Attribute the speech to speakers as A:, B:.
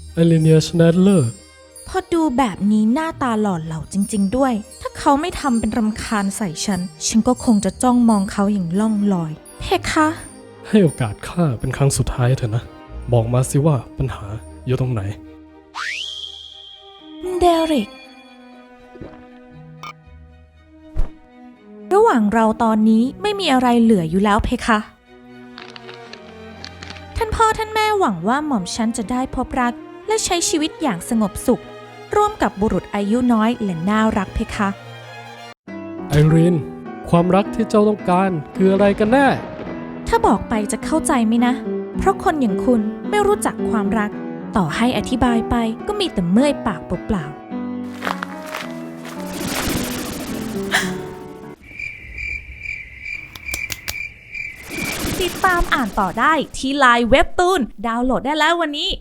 A: ไอรีเนียชแนดเลอร์
B: พอดูแบบนี้หน้าตาหล่อเหลาจริงๆด้วยถ้าเขาไม่ทำเป็นรำคาญใส่ฉันก็คงจะจ้องมองเขาอย่างล่องลอยเพคะ
A: ให้โอกาสข้าเป็นครั้งสุดท้ายเถอะนะ บอกมาสิว่าปัญหาอยู่ตรงไหน
B: เดริกระหว่างเราตอนนี้ไม่มีอะไรเหลืออยู่แล้วเพคะท่านพ่อท่านแม่หวังว่าหม่อมฉันจะได้พบรักและใช้ชีวิตอย่างสงบสุขร่วมกับบุรุษอายุน้อยและน่ารักเพคะ
A: ไอรีนความรักที่เจ้าต้องการคืออะไรกันแน่
B: ถ้าบอกไปจะเข้าใจไหมนะ เพราะคนอย่างคุณไม่รู้จักความรัก ต่อให้อธิบายไปก็มีแต่เมื่อยปากเปล่าๆติดตามอ่านต่อได้ที่ไลน์เว็บตูนดาวน์โหลดได้แล้ววันนี้